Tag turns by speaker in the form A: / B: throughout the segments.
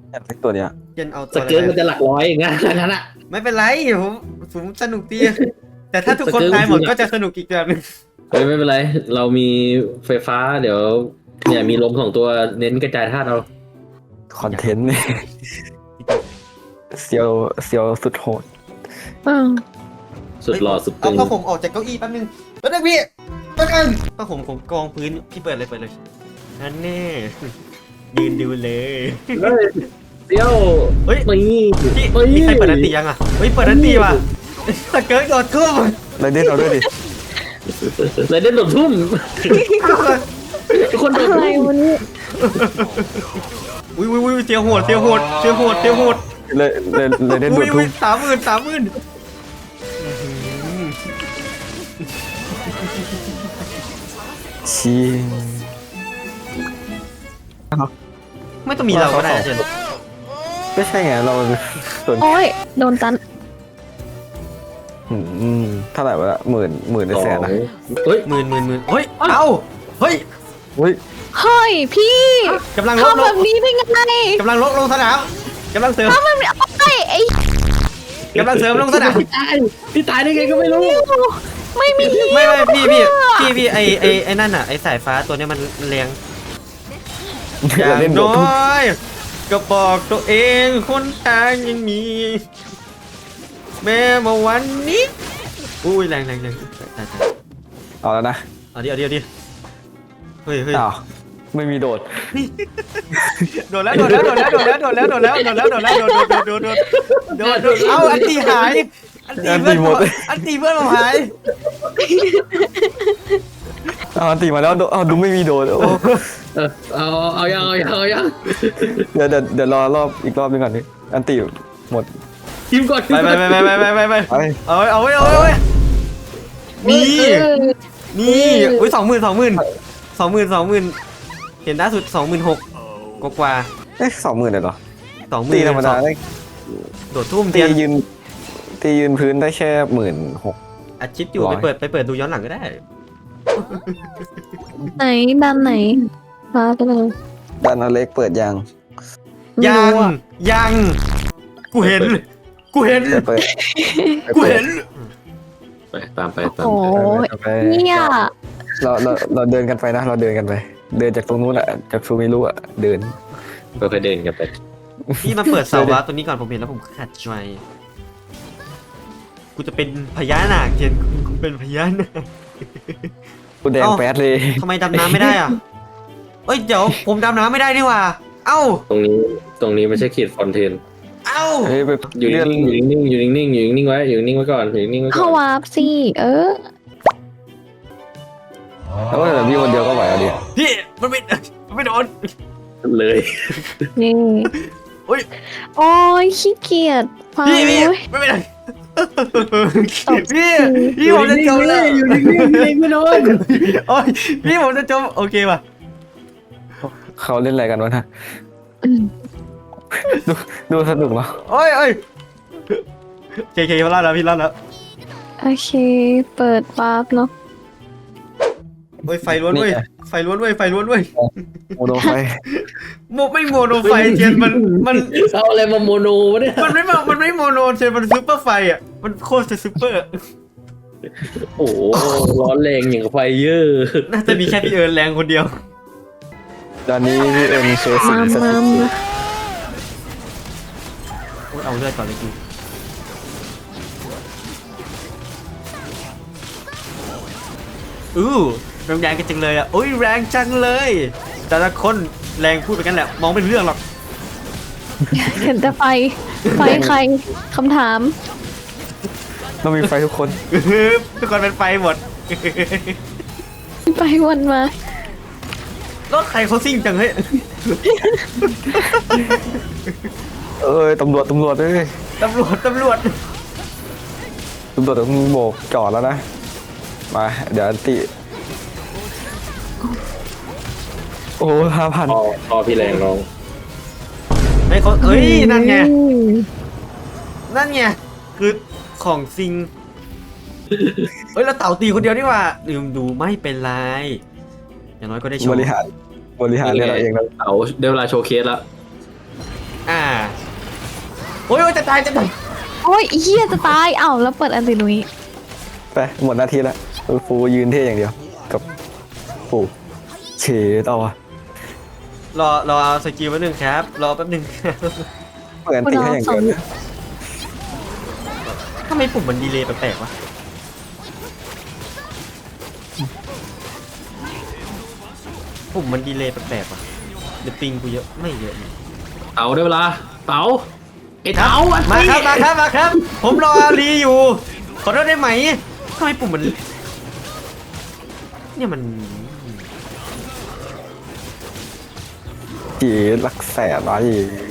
A: อยากเล่นตัวเนี้ย
B: เจนเอา
C: ส
B: ตัวอะ
C: เกิร์ต
B: ไร
C: มันจะหลักร้อยอย่างนั้นอ่ะ
B: ไม่เป็นไรผมสนุกดีแต่ถ้าทุกคน
C: สเกิร์ต
B: ตายหมด
C: จริงๆอะ
B: ก็จะสนุกอีกแบบนึง
C: เฮ้ยไม่เป็นไรเรามีไฟฟ้าเดี๋ยวเนี่ยมีลม2 ตัวเน้นกระจายธาตุเรา
A: คอนเทนต์เนี่ยเซียวเซียวสุดโหด
C: สุดหล่อสุด
B: เอา
C: ตึง
B: ผ้าห่มออกจากเก้าอี้แป๊บนึงแป๊บนึงพี่แป๊บนึงผ้าห่มผมกองพื้นพี่เปิดเลยนั่นแน่ยืนดูเลย
C: เฮ้ยเดี๋ยว
B: เฮ้ย
C: นี่
B: พี่
C: เฮ้ย
B: มีใครเปิดอันตียังอ่ะเฮ้ยเปิดอันตีว่ะสเกิร์ตโดดทุ่ม
A: ไรเด่นเราด้วยดิ
C: ไรเด่นโดดทุ่มทุกคนโดด
D: อะไร
C: ทุ่ม
D: วันนี้
B: อุ้ยเสียวโหด
A: ไรเด่นโด
B: อุ้
A: ด
B: ย
A: ทุ่ม
B: 30,000
A: ชิง
B: ไม่ต้องมีเราก็ได้เจน
A: ไม่ใช่ไงเราส่วน
D: โอ้ยโดนตัน
A: เท่าไหร่วะหมื่นใน
C: สอ
A: แสน
C: ง
A: นะ
C: เฮ้ย
B: หมื่นเฮ้ยเอ้าเฮ้ย
A: อุ้ย
D: เฮ้ยพี่
B: กำลังลบ
D: ทำแบบนี้ได้ไง
B: กำลังลงสนามกำลังเสริม
D: ทำแบบนี้โอ้ยไอ้
B: กำลังเสริมลงสนาม
C: พี่ตายได้ไงก็ไม่รู้
D: ไม่มี
B: ไม่พี่ไอ้นั่นอ่ะไอ้สายฟ้าตัวเนี้ยมันแรงอ
A: ไร
B: ย่าง
A: เด่นโดด
B: น้
A: ทุ่ม
B: อยก็บอกตัวเองคนทางยังมี แม้มาวันนี้อุ้ยแรงตาย
A: เอาแล้วนะ
B: เอาดิเฮ้ย
A: อ้าวไม่มีโดด
B: โดนแล้วเอาอันตีหายอันตีเพื่อนผมหาย
A: อันตีมาแล้วเอาดูไม่มีโดดโอ้
C: เอายัง
A: เดี๋ยวรอรอบอีกรอบนึงก่อนดิอันตีหมด
C: ทีมก่อน
B: ไป
A: ไป
B: เอาไว้นี่อุ้ย20,000เห็นล่าสุด26,000กว่า
A: เอ๊ะ20,000เลยเหรอ
B: 20,000
A: ตีธรรมดาได้
B: โดดทุ่ม
A: ตี
B: เทียน
A: ยืนพื้นได้แค่16,000
B: อัดชิปอยู่ไปเปิดดูย้อนหลังก็ได้
D: ไหนด้านไหนฟ้าไปเลย
A: ด้านอเล็กเปิดยัง
D: ไม่รู้อะ
B: ยังกูเห็น
A: เปิด
C: ไปตามไป
D: โอ้ย
A: ไป
D: เนี่ย
A: เราเดินกันไปนะเราเดินกันไป เดินจากตรงนู้นอะจากซูมิรุอะเดิน
C: ค่อยๆเดินกันไป
B: พี่มาเปิดเสาวะตัวนี้ก่อนผมเห็นแล้วผมขัดใจกูจะเป็นพญานาคเทียนกูเป็นพญานาค
A: กูแดงแป๊ดเลย
B: ทำไมดำน้ำไม่ได้อ่ะเอ้ยเดี๋ยวผมดำน้ำไม่ได้นี่หว่าเอ้า
C: ตรงนี้ไม่ใช่ขีดฟอนเทน
B: เอ้า
A: เฮ้ยไป
C: อยู่
A: เลื่อน
C: นิ่งอยู่นิ่งไว้ก่อนอยู่นิ่งไว้ก่
D: เข้า
C: อน
D: วาร์ปสิ
A: แล้วว่าแต่พี่คนเดียวก็ไหวอะดิ
B: พี่มันไม่โดน
C: เลย
D: นี่
B: โอ้ย
D: โอ้ยขี้เกียจฟัง
B: พี่
D: เว้ย
B: ไม่เป็นไร
D: ตบ
B: พี่ผมจะจมแล้ว
C: อยู่นิ่งไม่โดน
B: โอ้ยพี่ผมจะจมโอเคป่ะ
A: เขาเล่นอะไรกันวะนะ
D: อืม
A: ดูสนุกเนาะ
B: โอ้ยเคพี่รอดแล้วพี่รอดแล้ว
D: โอเคเปิดวาร์ปเนาะ
B: โอ้ยไฟล้วนเว้ยไฟล้วนเว้ย
A: โมโนไฟ
B: ไม่โมโนไฟเทียนมัน
C: เอาอะไรมาโมโนวะเนี่ย
B: มันไม่โมโนเทียนมันซูเปอร์ไฟอ่ะมันโคตรจะซูเปอร์
C: โอ้โหร้อนแรงอย่างกับไฟเยอะ
B: น่าจะมีแค่พี่เอิญแรงคนเดียว
A: ตอนนี้พี่เอ็นเคสิ
D: มา
A: ส
D: มา
A: ถิต
D: มา
B: โอ้ยเอาเลือดก่อนเลยกูแรงกันจังเลยอ่ะโอ้ยแรงจังเลยแต่ละคนแรงพูดไปกันแหละมองไม่รู้เรื่องหรอก
D: เห็นแต่ไฟใครคำถาม
A: ต้องมีไฟทุกคน
B: ทุกคนเป็นไฟหมด
D: ไปวนมา
B: รถใครเขาซิ่งจังเฮ้ย
A: เอ้ยตำรวจเอ้ย
B: ตำรวจ
A: ตำรวจต้องโบกจอดแล้วนะมาเดี๋ยวอันติโอ้5,000
C: พอพี่แรงน้อง
B: ไอ้เขาเอ้ยนั่นไงคือของซิงเฮ้ยเราเต่าตีคนเดียวนี่หว่าลืมดูไม่เป็นไรอย่างน้อยก็ได้โชว์
A: บริหารเนี่ยเราเองนะ
C: เอาเดี๋ยวเวลาโชว์เคสละ
B: โอ้ยจะตายจะตาย
D: โอ้ยเฮียจะตายอ้าวแล้วเปิดอันตินุย
A: ไปหมดหน้าที่แล้วฟูยืนเท่อย่างเดียวกับปูเฉดเอาอะ
B: รอเอาสกิลแป๊บนึงครับรอแป๊บนึง
A: เปิดอันตีให้อย่างเดียวนะ
B: ทำไมปุ่มมันดีเลย์แปลกๆวะปุ่มมันดีเลย์แปลกๆวะเดี๋ยวปิงกูเยอะไม่เยอะนี่
C: เต๋าได้เวลาเต๋าไอ้เต๋าอัน
B: มา
C: นี้
B: ครับมาครับ ผมรอรีอยู่ ขอโทษได้ไหมทำไมปุ่มมันเนี่ยมัน
A: เฉดรักแสบอะไร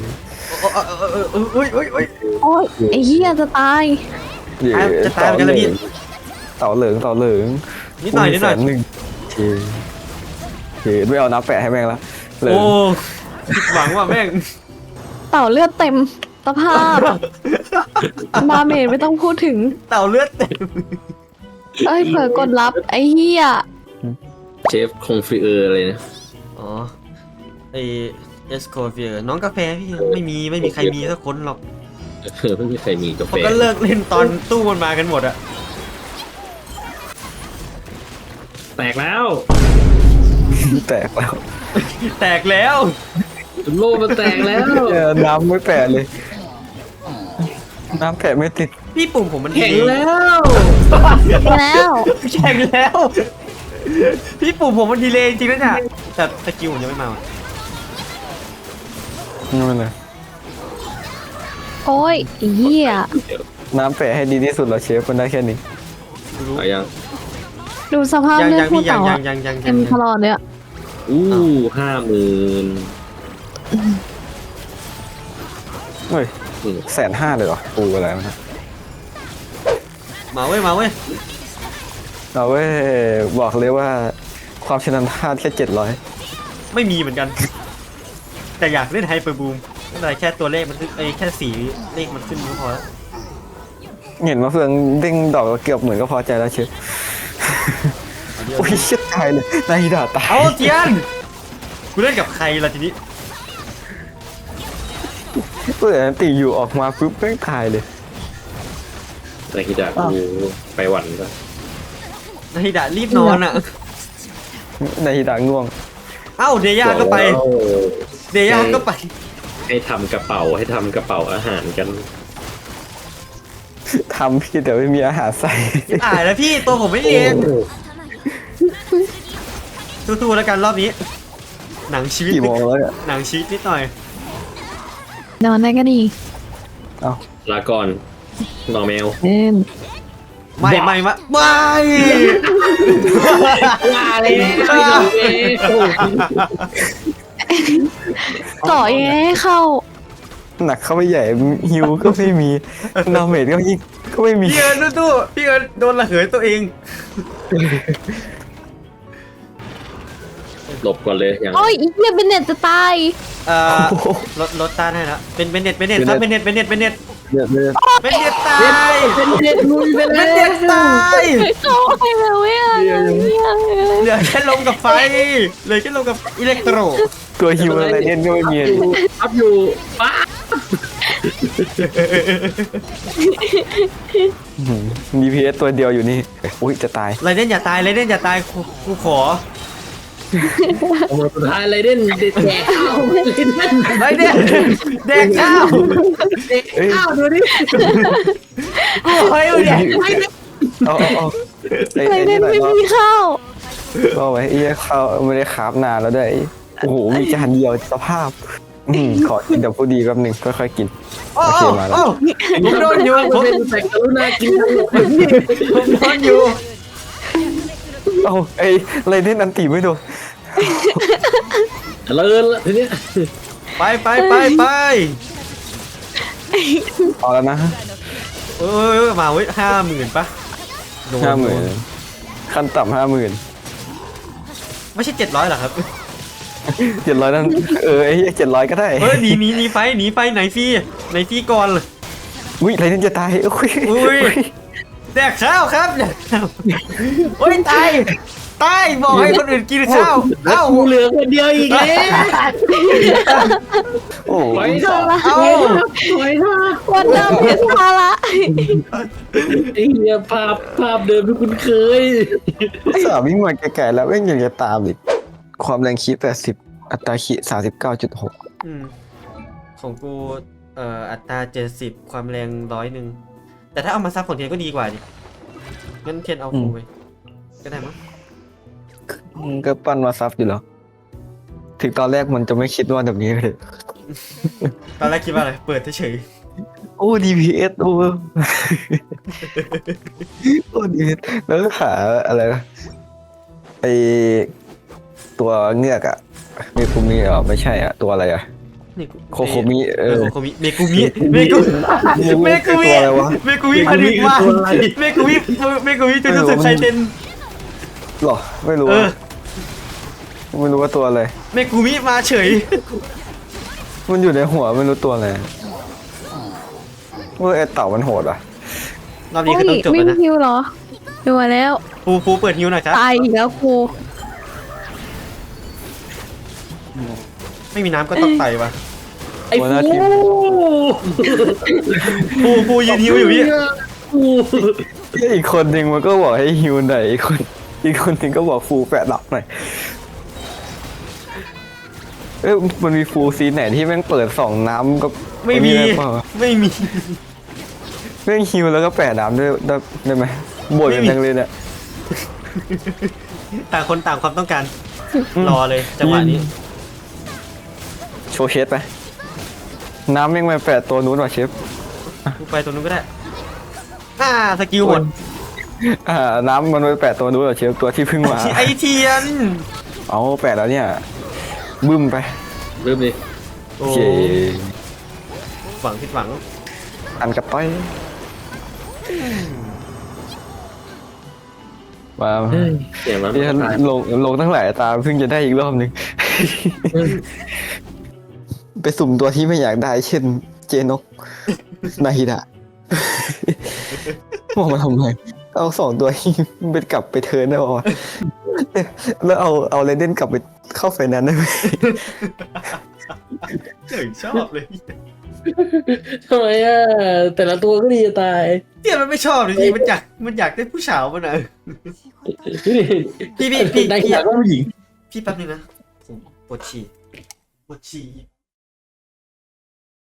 B: อุ้ย
D: โอ้ยไอ้เฮียจะตาย
B: จะตายเหมือนกันแล้วพี่
A: เต่าเหลือง
B: นิดหน่อย
A: 100,000เฉดไม่เอาน้ำแปะให้แม่งละเหลือง
B: โอ้ผิดหวังว่ะแม่ง
D: เต่าเลือดเต็มสภาพดาเมจไม่ต้องพูดถึง
B: เต่าเลือดเต็ม
D: เอ้ยเผื่อกดรับไอ้เฮีย
C: เชฟคงฟรีอะไรนะ
B: อ๋อไอเอสโคเฟียน้องกาแฟพี่ไม่มีใครมีสักคนหรอก
C: ไม่มีใครมีกาแฟ
B: เขาก็เลิกเล่นตอนตู้มันมากันหมดอะ
C: แตกแล้ว
A: แตกแล้ว
B: แตกแล้ว
C: โลกมันแตกแล้ว
A: น้ำไม่แปะเลย น้ำแปะไม่ติด
B: พี่ปุ่มผมมัน
C: แข็งแล้ว
D: แล้ว
B: แข็งแล้ว พี่ปุ่มผมมันดีเลยจริงๆนะเนี่ยแต่สกิลผมยังไม่มาว่ะ
A: นี่มันเลย
D: โอ้ยไอ้เฮีย
A: น้ำแปะให้ดีที่สุดแล้วเชฟมันได้แค่นี้
B: รู้
C: เอายัง
D: ดูสภาพ
B: ยัง
D: เลือด
B: ยัง
D: ผู้
B: พี่ยัง
D: เต่า
B: ยั
D: อะ
B: งยังยัง
D: เต็มตลอดเลยอะ
C: อู้50,000
A: เฮ้ย150,000เลยเหรอปูอะไรมัน
B: มาเว้ย
A: เราเว้ยบอกเลยว่าความชำนาญพลาดแค่700
B: ไม่มีเหมือนกัน แต่อยากเล่นไฮเปอร์บูมไม่เป็นไรแค่ตัวเลขมันขึ้นแค่สีเลขมันขึ้นก็พอแล้ว
A: เห็นมะเฟืองเด้งดอกเกือบเหมือนก็พอใจแล้วเชฟโอ้ยเชิดตายเลยนายด่าตาย
B: เอาเทียนกูเล่นกับใครล่ะทีนี้
A: เปิดอันตีอยู่ออกมาปุ๊บแม่งตายเลย
C: นาฮิดะกูไปหวันก็
B: นาฮิดะรีบนอนอ่ะ
A: นายด่าง่วง
B: เอ้าเดย่าก็ไป เดย่าก็ไป
C: ให้ทำกระเป๋าอาหารกัน
A: ทำพี่แต่ไม่มีอาหารใส่
B: แล้วพี่ตัวผมไม่เรียนสู้ๆแล้วกันรอบนี้ หนังชีวิต
A: กี่โมงแล้วเนี่ย
B: หนังชีวิตนิดหน่อย
D: นอนได้ก็ดี
A: เอ้า
C: ลาก่อนนอแมว
B: ไม่มา
C: ว่าเลย
D: ต่อยังไงให้เข้า
A: หนักเข้าไปใหญ่ฮิวก็ไม่มีนาเมจก็ยิ่งก็ไม่มี
B: พี่เอิญตู้พี่เอิญโดนระเหยตัวเอง
C: หลบก่อนเลยอย่าง
D: โอ้ยไอ้เฮียเบนเน็ตจะตาย
B: รถต้านให้แล้วเป็นเน็ตครับเป็นเน็ต
A: เดือด
B: เป็นเน็ตตาย
C: เป็นเด็ดลุยไป
B: เป็
C: แล้
B: นเน็ตตาย
D: เข้าไปแล้วเว้ย
B: เหลือแค่ลมกับไฟเหลือแค่ลมกับอิเล็กโตร
A: ตัวฮิวอะไรเล่นก็ไม่มี
C: อัพอยู่ป้า
A: DPS ตัวเดียวอยู่นี่อุ้ยจะตาย
B: ไรเด่นอย่าตายกูขอ
C: สุดท้ายอะไรเด่นเด็ดแจกข้าว
B: ไรเด่นแดกข้าว
A: เอ้ย
C: ข้าวดูดิ
B: เฮ้ยเนี่ย
A: เอาไอ้
D: ไรเด
A: นี่
D: น
A: หน่อย
D: ไม่
A: เนาะ
D: มีข้าว
A: ก็ไว้ไอ้ข้าวไม่ได้คราฟนานแล้วด้วยโอ้โหมีจานเดียวสภาพขอกินดับผู้ดีแป๊บนึงค่อยๆกิน
B: โอ้
A: โอเคมาแล้ว
B: ผมโดนอยู่ผม
C: เป็นแต่กรุณากินทั้งหมด
B: โดนอยู่
A: เอ้าไอ้ไรเด่นอันตีไม่โดน
C: เลินละทีเนี้ย
B: ไป
A: เอาแล้วนะ
B: มาเว้ย50,000ปะโดน
A: 50,000ขั้นต่ำ50,000
B: ไม่ใช่700หรอครับ
A: 700นั่นไอ้700ก็ได้
B: เฮ้ยหนีไฟไหนฟรีก่อน
A: อุ้ยไรเด่นจะตายอุ้ย
B: แดกข้าวครับแดกข้าวโอ้ยตายใต้บอกให้คนอื่นกินข้าว
C: แล้ว
B: เอ้า
C: กูเหลือคนเดียวอีกแล้ว
A: โอ้โห
C: ถอยเถอะ
B: เอ้า
C: ถอยเถอะ
D: วันดำเพชรภาระ
C: ไอ้เหี้ยภาพเดิมที่คุณเคย
A: สามวิ่งมาไกลๆแล้วแม่งยังจะตามอีกความแรงคี80อัตราคี39.6
B: อืมของกูอัตรา70ความแรง100แต่ถ้าเอามาซับของเทียนก็ดีกว่าดิงั้นเทียนเอาฟูไปก็ได้มั้ง
A: ก็ปั้นมาซับอยู่แล้วถึงตอนแรกมันจะไม่คิดว่าแบบนี้เลย
B: ตอนแรกคิดว่าอะไรเปิดเฉย
A: โอ้ DPS โอ้ โอ้ DPS แล้วก็หาอะไรนะไอตัวเงือกอะเมคุมิไม่ใช่อะตัวอะไรอะ
B: ๆนี่กู
A: โคโคมิ
B: โคโคมิเมกุมิเมกุมิ
A: ตัวอะไรวะ
B: เมกุมิผลิตมาเมกุมิจนรู้สึกใครเต้น
A: หรอไม่รู้
B: เออ
A: ไม่รู้ว่าตัวอะไร
B: เมกุมิมาเฉย
A: มันอยู่ในหัวไม่รู้ตัวอะไรว่าไอเต่ามันโหดอ่ะ
B: รอบนี้คือต้องจบ
D: วิ่
B: แล้ว
D: ง
B: นะ
D: ฮิวเหรอดูมาแล้ว
B: ฟูเปิดฮิวหน่อยครับ
D: ตายอีกแล้วครู
B: ไม่มีน้ำก็ต้องไต่วะ
C: ไอ้
A: หัวหน้าทีม
B: ฟูยืนฮิวอยู่พี่
C: ฟู
A: อีกคนหนึ่งมันก็บอกให้ฮิวหน่อยอีกคนหนึ่งก็บอกฟูแปะหลับหน่อยมันมีฟูซีนไหนที่แม่งเปิดสองน้ำก็
B: ไม่มี
A: ด้เปล่า
B: ไม่มี
A: แม่งฮิวแล้วก็แปะน้ำด้วยได้ไหมบ่นกันจังเลยเนี่ย
B: ต่างคนต่างความต้องการรอเลยจังหวะนี้
A: โชว์เชฟไปน้ำแม่งมาแปะตัวนู้นว่ะเชฟ
B: กูไปตรงนู้นก็ได้สกิลหมด
A: น้ำมันไปแปะตัวนู้นว่ะเชฟตัวที่เพิ่งมา
B: ไอเทียน
A: เอาแปะแล้วเนี่ยบึ้มไป
C: เริ่มดิ
B: โอ้
A: โอเค
B: หวังผิดหวัง
A: อันกระต้อยมา
C: เฮ้ยเสียงมัน
A: ที่ฉัน
C: ตาย
A: ลงตั้งหลายตาเพิ่งจะได้อีกรอบหนึ่ง ไปสุ่มตัวที่ไม่อยากได้ เช่น เจนก นาฮิดะ มองมาทำไมเอาสองตัวที่เป็นกลับไปเทิร์นได้ป่าวะแล้วเอาเรเดนกลับไปเข้าไฟแนนซ์ได้ไหม
B: เจ๋งชอบเลย
C: ทำไมอ่ะแต่ละตัวก็ดีจะตาย
B: เทียนมันไม่ชอบเลยพี่มันอยากได้ผู้สาวมันอ่ะพี่
C: ได้อยากก็ผู้หญิง
B: พี่แป๊บนึงนะผมปวดฉี่